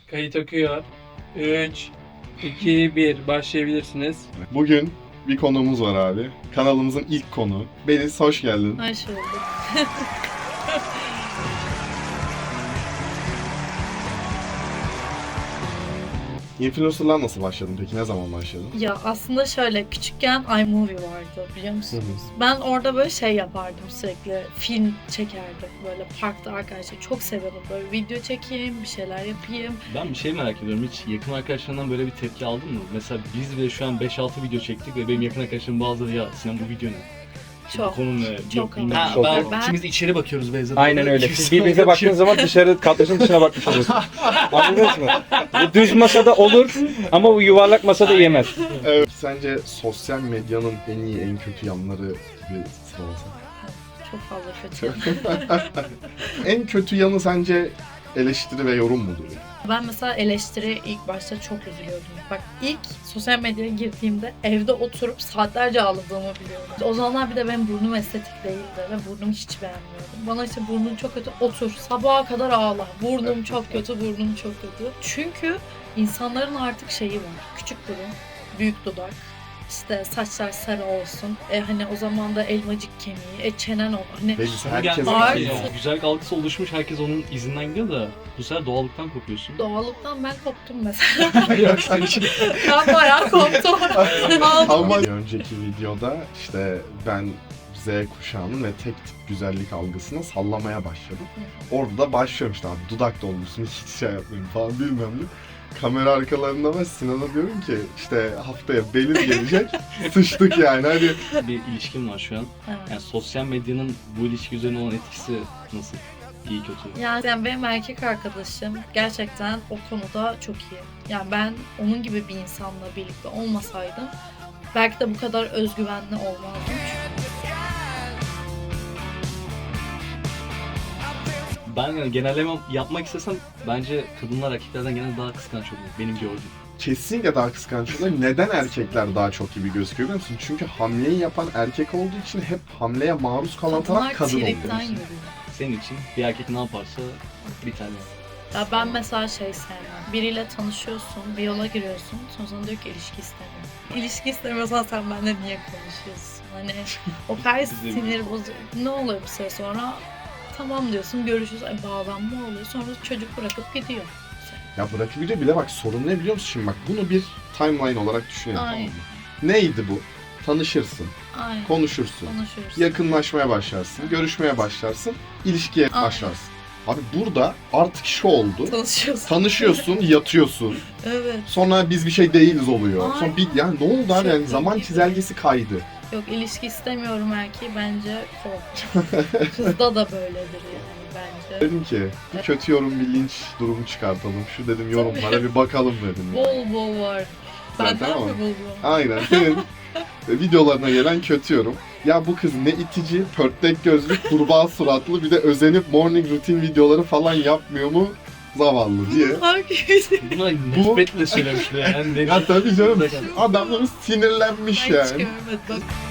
Kayıt akıyor. 3, 2, 1. Başlayabilirsiniz. Bugün bir konuğumuz var abi. Kanalımızın ilk konuğu. Beliz, hoş geldin. Hoş bulduk. Influencer'lar nasıl başladın peki? Ne zaman başladın? Ya aslında şöyle küçükken iMovie vardı biliyor musunuz? Ben orada böyle şey yapardım sürekli. Film çekerdim böyle parkta arkadaşlar. Çok severim böyle video çekeyim, bir şeyler yapayım. Ben bir şey merak ediyorum. Hiç yakın arkadaşlarından böyle bir tepki aldın mı? Mesela biz bile şu an 5-6 video çektik ve benim yakın arkadaşlarım bazıları ya Sinan bu video ne? Çok. Konu ne? Çok Yok, bilmem. ama. Ha, Ben- ikimiz de içeri bakıyoruz Beyza. Aynen öyle. İkimiz Siz de birbirinize baktığınız zaman dışarı kadrajın dışına bakmış oluyorsunuz. Anladınız mı? Bu düz masada olur ama bu yuvarlak masada yemez. Evet. Sence sosyal medyanın en iyi, en kötü yanları bir sıralasak? Çok fazla kötü. En kötü yanı sence eleştiri ve yorum mudur? Ben mesela eleştiriye ilk başta çok üzülüyordum. Bak ilk sosyal medyaya girdiğimde evde oturup saatlerce ağladığımı biliyorum. O zamanlar bir de benim burnum estetik değildi ve burnumu hiç beğenmiyordum. Bana işte burnun çok kötü, otur sabaha kadar ağla. Burnum çok kötü, burnum çok kötü. Çünkü insanların artık şeyi var. Küçük burun, büyük dudak. İşte saçlar sarı olsun. Hani o zaman da elmacık kemiği, çenen ol. Hani Beliz Sana herkes geldi Artık- ya, güzellik algısı oluşmuş, herkes onun izinden gidiyor da bu sefer doğallıktan kopuyorsun. doğallıktan ben koptum mesela. Yok senin için. Ben bayağı koptum. Aldım. Ama önceki videoda işte ben Z kuşağının ve tek tip güzellik algısına sallamaya başladım. Orada da başlıyorum işte abi dudak dolmuşsun hiç şey yapmayayım falan bilmem ne. Kamera arkalarında var Sinan'a diyorum ki işte haftaya Beliz gelecek sıçtık yani hani. Bir ilişkin var şu an. Evet. Yani sosyal medyanın bu ilişki üzerine olan etkisi nasıl? İyi kötü. Yani benim erkek arkadaşım gerçekten o konuda çok iyi. Yani ben onun gibi bir insanla birlikte olmasaydım belki de bu kadar özgüvenli olmazdım. Ben yani genelleme yapmak istesem bence kadınlar erkeklerden genelde daha kıskanç oluyor. Benim gördüğüm. Kesinlikle daha kıskançlar. Neden erkekler daha çok gibi gözüküyor biliyor musun? Çünkü hamleyi yapan erkek olduğu için hep hamleye maruz kalan taraf Kadınlar kadın tripten oluyor. yürüyor. Senin için bir erkek ne yaparsa bir tane. Ya ben mesela şey sevmem. Biriyle tanışıyorsun, bir yola giriyorsun, sonra diyor ki ilişki istemiyorum. İlişki istemiyorsan sen benimle niye konuşuyorsun? Hani o kadar sinir bozucu. Ne oluyor bir süre sonra? Tamam diyorsun, görüşürüz. Bağlanma oluyor. Sonra çocuk bırakıp gidiyor. Ya bırakabiliyor bile bak sorun ne biliyor musun? Şimdi bak bunu bir timeline olarak düşünelim tamam Aynen. mı? Neydi bu? Tanışırsın, Aynen. konuşursun, Konuşuyoruz. yakınlaşmaya başlarsın, görüşmeye başlarsın, ilişkiye Aynen. başlarsın. Abi burada artık şu oldu. Tanışıyorsun. Tanışıyorsun, yatıyorsun. Evet. Sonra biz bir şey değiliz oluyor. Sonra bir, Aynen. yani ne oldu abi? Yani Çok zaman iyi. çizelgesi kaydı. Yok ilişki istemiyorum erkeği bence kork. Kızda da böyledir yani bence. Dedim ki bir kötü yorum, bir linç durumu çıkartalım. Şu dedim yorumlara bir bakalım dedim. Bol bol var. Zaten Benden ama- mi buldun? Aynen. Senin videolarına gelen kötü yorum. Ya bu kız ne itici, pörtlek gözlü, kurbağa suratlı bir de özenip morning routine videoları falan yapmıyor mu? Zavallı diye. Herkes. Buna nefretle söylemişler yani. Ya tabii canım adamlar sinirlenmiş Ben hiç yani. görmedim.